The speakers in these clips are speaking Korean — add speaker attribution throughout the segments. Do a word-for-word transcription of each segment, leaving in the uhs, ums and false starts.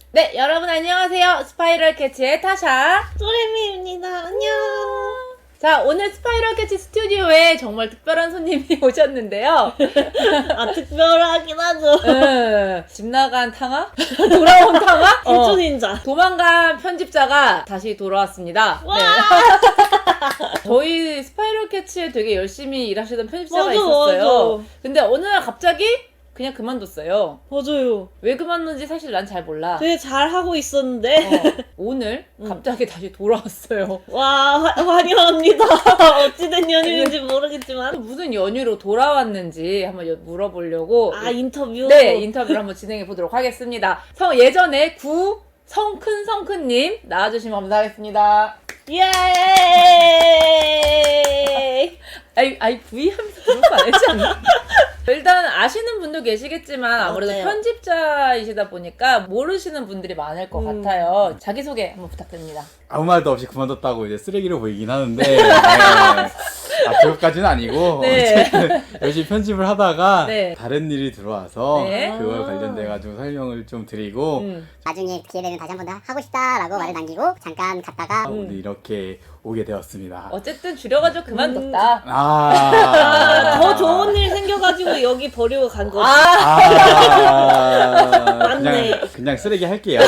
Speaker 1: 네, 여러분 안녕하세요. 스파이럴 캐치의 타샤
Speaker 2: 쪼레미입니다. 안녕.
Speaker 1: 자, 오늘 스파이럴 캐치 스튜디오에 정말 특별한 손님이 오셨는데요.
Speaker 2: 아, 특별하긴 하죠.
Speaker 1: 음, 집 나간 탕아? 돌아온 탕아?
Speaker 2: 일조 닌자.
Speaker 1: 도망간 편집자가 다시 돌아왔습니다.
Speaker 2: 와!
Speaker 1: 네. 저희 스파이럴 캐치에 되게 열심히 일하시던 편집자가
Speaker 2: 맞아,
Speaker 1: 있었어요.
Speaker 2: 맞아.
Speaker 1: 근데 어느 날 갑자기 그냥 그만뒀어요.
Speaker 2: 맞아요.
Speaker 1: 왜 그만둔지 사실 난 잘 몰라.
Speaker 2: 되게 잘하고 있었는데.
Speaker 1: 어, 오늘
Speaker 2: 응.
Speaker 1: 갑자기 다시 돌아왔어요.
Speaker 2: 와, 화, 환영합니다. 어찌된 연유인지 모르겠지만.
Speaker 1: 무슨 연유로 돌아왔는지 한번 여- 물어보려고
Speaker 2: 아, 인터뷰?
Speaker 1: 네, 인터뷰를 한번 진행해 보도록 하겠습니다. 성, 예전에 구 성큰 성큰님 나와주시면 감사하겠습니다.
Speaker 2: 예!
Speaker 1: 아이, 아이, V 하면서 그런 거 알지 않나? 일단 아시는 분도 계시겠지만 아무래도
Speaker 2: 맞아요.
Speaker 1: 편집자이시다 보니까 모르시는 분들이 많을 것
Speaker 2: 음.
Speaker 1: 같아요. 자기소개 한번 부탁드립니다.
Speaker 3: 아무 말도 없이 그만뒀다고 이제 쓰레기로 보이긴 하는데 네. 아, 그것까지는 아니고
Speaker 1: 네.
Speaker 3: 어쨌든 열심히 편집을 하다가
Speaker 1: 네.
Speaker 3: 다른 일이 들어와서
Speaker 1: 네.
Speaker 3: 그걸
Speaker 2: 아.
Speaker 3: 관련돼 가지고 설명을 좀 드리고
Speaker 1: 음.
Speaker 4: 나중에 기회되면 다시 한 번 더 하고 싶다라고 말을 남기고 잠깐 갔다가
Speaker 3: 아, 오늘 이렇게 오게 되었습니다.
Speaker 1: 어쨌든 줄여가지고 그만뒀다.
Speaker 3: 아,
Speaker 2: 더 좋은 일 생겨가지고 여기 버리고 간 거지.
Speaker 1: 아,
Speaker 3: 아,
Speaker 2: 맞네.
Speaker 3: 그냥 그냥 쓰레기 할게요.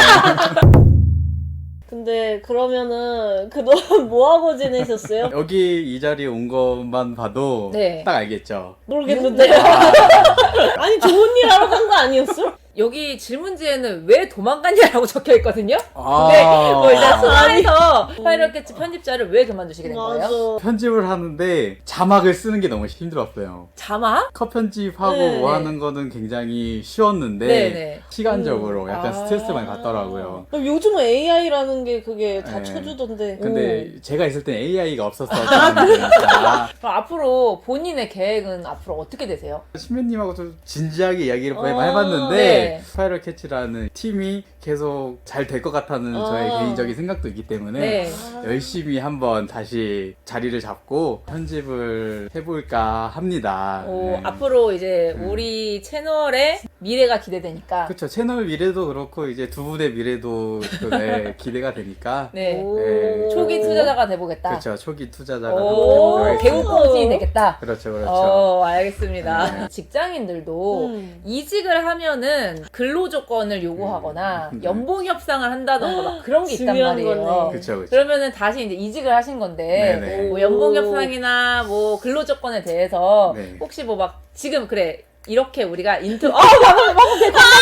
Speaker 2: 근데 그러면은 그동안 뭐하고 지내셨어요?
Speaker 3: 여기 이 자리에 온 것만 봐도
Speaker 1: 네.
Speaker 3: 딱 알겠죠.
Speaker 2: 모르겠는데요. 아니, 좋은 일 하러 간 거 아니었어?
Speaker 1: 여기 질문지에는 왜 도망갔냐라고 적혀 있거든요.
Speaker 3: 아.
Speaker 1: 근데 뭐 일단 소화해서 스파이럴 캐치 편집자를 왜 그만두시게 된 거예요?
Speaker 2: 맞아.
Speaker 3: 편집을 하는데 자막을 쓰는 게 너무 힘들었어요.
Speaker 1: 자막?
Speaker 3: 컷 편집하고
Speaker 2: 네.
Speaker 3: 뭐 하는 거는 굉장히 쉬웠는데
Speaker 1: 네네.
Speaker 3: 시간적으로 약간
Speaker 1: 아.
Speaker 3: 스트레스 많이 받더라고요.
Speaker 2: 요즘은 에이아이라는 게 그게 다
Speaker 3: 네.
Speaker 2: 쳐주던데.
Speaker 3: 근데 제가 있을 땐 에이아이가 없었어요. 그러니까
Speaker 1: 그럼 앞으로 본인의 계획은 앞으로 어떻게 되세요?
Speaker 3: 신면님하고 좀 진지하게 이야기를
Speaker 2: 어,
Speaker 3: 해봤는데
Speaker 1: 네.
Speaker 3: 스파이럴 캐치라는 팀이 계속 잘 될 것 같다는
Speaker 2: 어.
Speaker 3: 저의 개인적인 생각도 있기 때문에
Speaker 1: 네.
Speaker 3: 열심히 한번 다시 자리를 잡고 편집을 해볼까 합니다.
Speaker 1: 어,
Speaker 3: 네.
Speaker 1: 앞으로 이제
Speaker 3: 음.
Speaker 1: 우리 채널의 미래가 기대되니까.
Speaker 3: 그렇죠. 채널 미래도 그렇고 이제 두 분의 미래도 또, 네, 기대가 되니까
Speaker 1: 네.
Speaker 2: 오.
Speaker 3: 네.
Speaker 1: 초기 투자자가 돼보겠다.
Speaker 3: 그렇죠. 초기 투자자가
Speaker 1: 오,
Speaker 3: 되도록
Speaker 1: 개우
Speaker 3: 하겠습니다.
Speaker 1: 꽁신이 되겠다.
Speaker 3: 그렇죠, 그렇죠.
Speaker 1: 어, 알겠습니다.
Speaker 3: 네.
Speaker 1: 직장인들도
Speaker 2: 음.
Speaker 1: 이직을 하면은 근로 조건을 요구하거나
Speaker 3: 음.
Speaker 1: 연봉 협상을 한다던가 막 그런 게 있단
Speaker 2: 중요한
Speaker 1: 말이에요.
Speaker 2: 거네.
Speaker 3: 그렇죠, 그렇죠.
Speaker 1: 그러면은 다시 이제 이직을 하신 건데
Speaker 3: 네네.
Speaker 1: 뭐 연봉 협상이나 뭐 근로 조건에 대해서
Speaker 3: 네.
Speaker 1: 혹시 뭐 막 지금 그래 이렇게 우리가 인터 어 방금 방금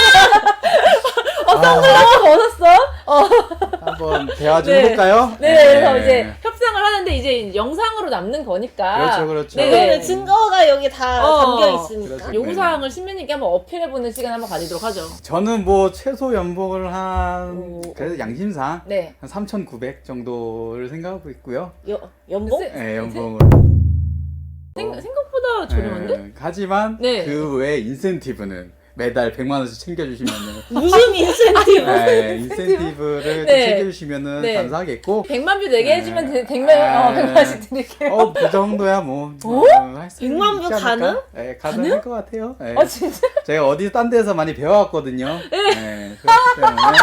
Speaker 1: 어 선글라스 벗었어? 어.
Speaker 3: 한번 대화 좀
Speaker 1: 네.
Speaker 3: 해볼까요?
Speaker 1: 네, 그래서 이제 협상을 하는데 이제 영상으로 남는 거니까.
Speaker 3: 그렇죠, 그렇죠.
Speaker 1: 네.
Speaker 2: 그거는 증거가 여기 다
Speaker 1: 어.
Speaker 2: 담겨 있으니까.
Speaker 3: 그렇죠.
Speaker 1: 요구사항을 신민님께 한번 어필해보는 시간 한번 가지도록 하죠.
Speaker 3: 저는 뭐 최소 연봉을 한
Speaker 1: 오.
Speaker 3: 그래서 양심상
Speaker 1: 네.
Speaker 3: 한 삼천구백 정도를 생각하고 있고요.
Speaker 2: 여, 연봉?
Speaker 1: 세-
Speaker 3: 네, 연봉을.
Speaker 1: 생, 생각보다 저렴한데?
Speaker 3: 네, 하지만
Speaker 1: 네.
Speaker 3: 그 외에 인센티브는 매달 백만 원씩 챙겨주시면은
Speaker 2: 무슨 인센티브?
Speaker 3: 네, 인센티브를
Speaker 1: 네.
Speaker 3: 챙겨주시면은
Speaker 1: 네.
Speaker 3: 감사하겠고.
Speaker 1: 백만 뷰 내게
Speaker 3: 네.
Speaker 1: 해주면 되- 백만, 어,
Speaker 3: 아.
Speaker 1: 백만씩 드릴게요.
Speaker 3: 어, 그 정도야 뭐.
Speaker 1: 어?
Speaker 3: 할수
Speaker 2: 백만
Speaker 3: 있지
Speaker 2: 뷰
Speaker 3: 않을까?
Speaker 2: 가능?
Speaker 3: 네, 가능할 것 같아요. 네.
Speaker 1: 어, 진짜?
Speaker 3: 제가 어디 딴 데서 많이 배워왔거든요. 네. 그렇기 때문에.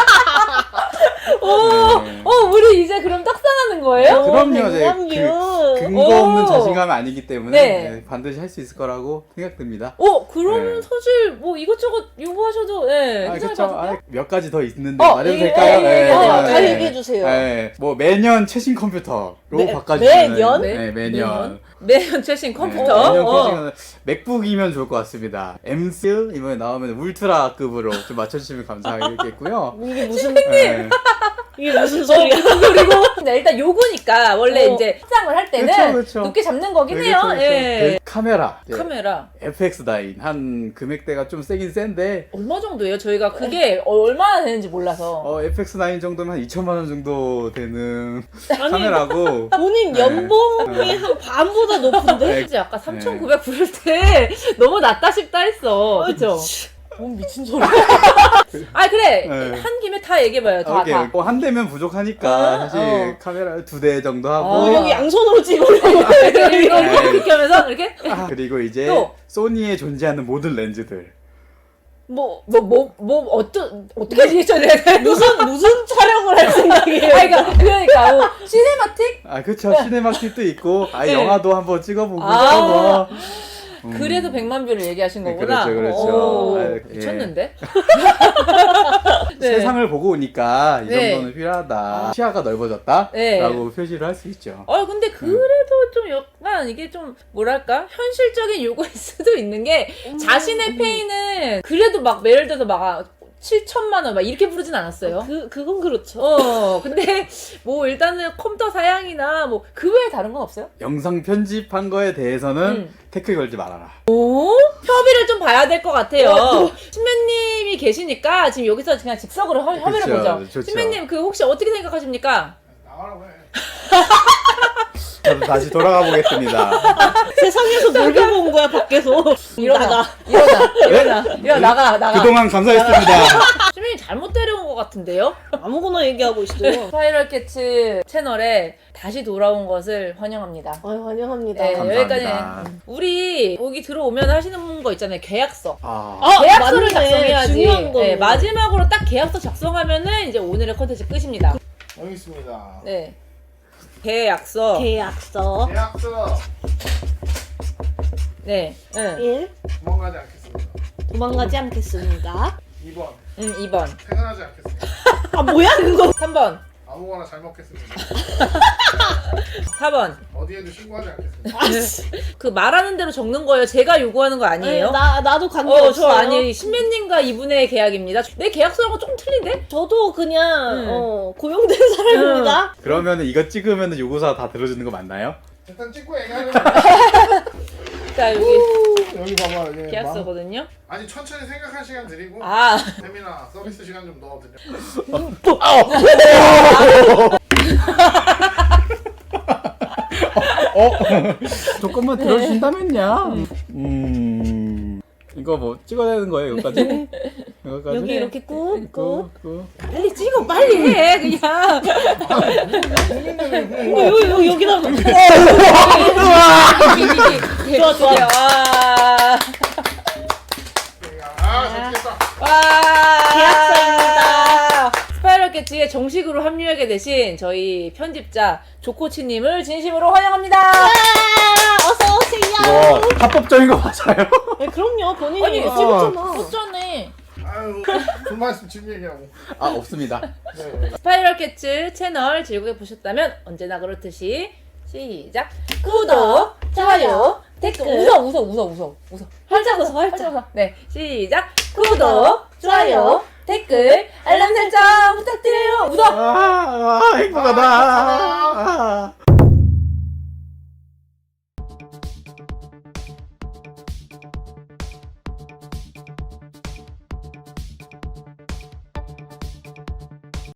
Speaker 1: 오,
Speaker 3: 네.
Speaker 1: 어, 우리 이제 그럼 떡상하는 거예요?
Speaker 3: 그럼요.
Speaker 2: 백만
Speaker 3: 제가
Speaker 2: 뷰.
Speaker 3: 그, 근거 없는
Speaker 1: 오.
Speaker 3: 자신감이 아니기 때문에
Speaker 1: 네.
Speaker 3: 네, 반드시 할 수 있을 거라고 생각됩니다.
Speaker 1: 어, 그러면
Speaker 3: 네.
Speaker 1: 사실 뭐 이것저것 요구하셔도, 예,
Speaker 3: 아,
Speaker 1: 괜찮을
Speaker 3: 그쵸.
Speaker 1: 것 같은데요?
Speaker 3: 아, 몇 가지 더 있는데
Speaker 1: 어,
Speaker 3: 말해도
Speaker 1: 예,
Speaker 3: 될까요?
Speaker 1: 예, 예, 예.
Speaker 2: 어,
Speaker 1: 네.
Speaker 2: 다 얘기해주세요.
Speaker 3: 네. 뭐 매년 최신 컴퓨터로
Speaker 2: 매-
Speaker 3: 바꿔주시면
Speaker 2: 매년?
Speaker 3: 네, 매년.
Speaker 1: 매년 최신 컴퓨터.
Speaker 3: 네, 매년
Speaker 1: 어.
Speaker 3: 최신 맥북이면 좋을 것 같습니다. 엠스 이번에 나오면 울트라급으로 좀 맞춰주시면 감사하겠고요.
Speaker 2: 이게 무슨,
Speaker 3: 네.
Speaker 2: 이게 무슨 소리야?
Speaker 1: 그리고 근데 일단 요구니까 원래
Speaker 2: 어.
Speaker 1: 이제 협상을 할 때는
Speaker 3: 그쵸, 그쵸.
Speaker 1: 높게 잡는 거긴
Speaker 3: 네,
Speaker 1: 해요.
Speaker 3: 그쵸, 그쵸.
Speaker 1: 예.
Speaker 3: 그 카메라. 네.
Speaker 1: 카메라
Speaker 3: 에프엑스 나인 한 금액대가 좀 세긴 센데
Speaker 1: 얼마 정도예요? 저희가 그게 얼마나 되는지 몰라서.
Speaker 3: 어, 에프엑스 나인 정도면 한 이천만 원 정도 되는
Speaker 2: 아니,
Speaker 3: 카메라고.
Speaker 2: 본인
Speaker 3: 네.
Speaker 2: 연봉이
Speaker 3: 네.
Speaker 2: 한 반보다 높은데?
Speaker 3: 네.
Speaker 1: 진짜 아까 삼천구백 부를 때 너무 낮다 싶다 했어. 그쵸? 뭔 미친 소리야. 아 그래
Speaker 3: 네.
Speaker 1: 한 김에 다 얘기해봐요. 다
Speaker 3: 오케이.
Speaker 1: 다.
Speaker 3: 뭐 한 대면 부족하니까
Speaker 1: 어,
Speaker 3: 사실
Speaker 1: 어.
Speaker 3: 카메라 두 대 정도 하고
Speaker 1: 어,
Speaker 2: 여기 양손으로 찍으려고.
Speaker 1: 이거 이거
Speaker 3: 네.
Speaker 1: 이렇게 하면서 이렇게
Speaker 3: 아, 그리고 이제
Speaker 1: 또.
Speaker 3: 소니에 존재하는 모든 렌즈들
Speaker 2: 뭐
Speaker 1: 뭐 뭐 뭐 어떤 어떻게 리액션을 해야 돼?
Speaker 2: 무슨 무슨 촬영을 할 생각이에요?
Speaker 1: 아니, 그러니까 그러니까 뭐 시네마틱?
Speaker 3: 아 그쵸 시네마틱도 있고 아
Speaker 1: 네.
Speaker 3: 영화도 한번 찍어보고
Speaker 1: 아.
Speaker 3: 뭐. 음.
Speaker 1: 그래서 백만 뷰를 얘기하신
Speaker 3: 네,
Speaker 1: 거구나.
Speaker 3: 그렇죠, 그렇죠.
Speaker 1: 오,
Speaker 3: 아, 예.
Speaker 1: 미쳤는데? 네.
Speaker 3: 세상을 보고 오니까 이
Speaker 1: 네.
Speaker 3: 정도는 필요하다. 시야가 넓어졌다.
Speaker 1: 네.
Speaker 3: 라고 표시를 할 수 있죠.
Speaker 1: 어 근데 그래도 좀 약간 이게 좀 뭐랄까 현실적인 요구일 수도 있는 게 자신의 페이는 그래도 막 예를 들어서 막 칠천만 원 막 이렇게 부르진 않았어요.
Speaker 2: 그 그건 그렇죠.
Speaker 1: 어 근데 뭐 일단은 컴퓨터 사양이나 뭐 그 외에 다른 건 없어요?
Speaker 3: 영상 편집한 거에 대해서는
Speaker 1: 음.
Speaker 3: 태클 걸지 말아라.
Speaker 1: 오 협의를 좀 봐야 될 것 같아요. 신배님이 계시니까 지금 여기서 그냥 즉석으로 협- 협의를
Speaker 3: 그쵸,
Speaker 1: 보죠.
Speaker 3: 좋죠.
Speaker 1: 신배님 그 혹시 어떻게 생각하십니까?
Speaker 5: 나가라고 해.
Speaker 3: 저도 다시 돌아가 보겠습니다.
Speaker 2: 세상에서 뭘 보고 온 거야 밖에서.
Speaker 1: 일어나
Speaker 2: 나가.
Speaker 1: 일어나 일어나 일어나 나가 나가.
Speaker 3: 그동안 감사했습니다.
Speaker 1: 신배님 잘못 데려온 것 같은데요?
Speaker 2: 아무거나 얘기하고 있어요.
Speaker 1: 스파이럴 캐츠 채널에 다시 돌아온 것을 환영합니다.
Speaker 2: 아유 환영합니다.
Speaker 1: 네,
Speaker 3: 감사합니다.
Speaker 1: 여기까지. 우리 여기 들어오면 하시는 거 있잖아요. 계약서.
Speaker 3: 아,
Speaker 2: 아,
Speaker 1: 계약서를
Speaker 2: 맞네.
Speaker 1: 작성해야지.
Speaker 2: 중요한 거.
Speaker 1: 네, 마지막으로 딱 계약서 작성하면은 이제 오늘의 컨텐츠 끝입니다.
Speaker 5: 여기 있습니다.
Speaker 1: 네. 계약서.
Speaker 2: 계약서
Speaker 5: 계약서
Speaker 1: 네. 응.
Speaker 2: 일.
Speaker 5: 도망가지 않겠습니다.
Speaker 2: 도망가지 않겠습니다.
Speaker 5: 이 번
Speaker 1: 응, 이 번.
Speaker 5: 퇴근하지 않겠습니다.
Speaker 2: 아 뭐야 그거?
Speaker 1: 삼 번.
Speaker 5: 아무거나 잘 먹겠습니다.
Speaker 1: 사 번.
Speaker 5: 어디에도 신고하지 않겠습니다.
Speaker 2: 아씨.
Speaker 1: 그 말하는 대로 적는 거예요. 제가 요구하는 거 아니에요?
Speaker 2: 나 나도 관계
Speaker 1: 어,
Speaker 2: 없어요.
Speaker 1: 저 아니. 신배님과 이분의 계약입니다. 내 계약서랑 조금 틀린데?
Speaker 2: 저도 그냥
Speaker 1: 음.
Speaker 2: 어, 고용된 사람입니다.
Speaker 3: 그러면은 이거 찍으면은 요구사 다 들어주는 거 맞나요?
Speaker 5: 일단 찍고 얘기하는 거.
Speaker 1: 자, 여기
Speaker 5: 여기 봐봐. 이게 막-
Speaker 1: 계약서거든요.
Speaker 5: 아니 천천히 생각할 시간 드리고
Speaker 1: 아.
Speaker 5: 세미나 서비스 시간 좀 넣어드려.
Speaker 3: 어? 조금만 들어준다면요. 음. 이거 뭐 찍어야 되는 거예요, 여기까지? 여기까지?
Speaker 2: 여기 이렇게 꾹 꾹.
Speaker 3: 꾹, 꾹.
Speaker 1: 빨리 찍어, 빨리 해, 그냥.
Speaker 2: 어, 여기 여기 여기다.
Speaker 1: 좋아, 좋아. 와.
Speaker 5: 아 좋겠다.
Speaker 1: 와.
Speaker 2: 계약서입니다.
Speaker 1: 스파이럴 캐치에 정식으로 합류하게 되신 저희 편집자 조코치님을 진심으로 환영합니다.
Speaker 2: 아, 어서 오세요.
Speaker 3: 이거 합법적인 거 맞아요?
Speaker 2: 네, 그럼요 본인이
Speaker 1: 아니,
Speaker 2: 찍었잖아.
Speaker 1: 어쩌네.
Speaker 5: 아유 그 말씀 지금 얘기하고.
Speaker 3: 아, 없습니다.
Speaker 5: 네.
Speaker 1: 스파이럴 캐치 채널 즐겁게 보셨다면 언제나 그렇듯이 시작. 구독, 좋아요, 댓글. 웃어, 웃어, 웃어, 웃어, 웃어.
Speaker 2: 활짝 웃어 활짝.
Speaker 1: 활짝 웃어. 네, 시작. 구독, 좋아요, 댓글, 알람 설정 부탁드려요. 웃어.
Speaker 3: 아, 아 행복하다. 아.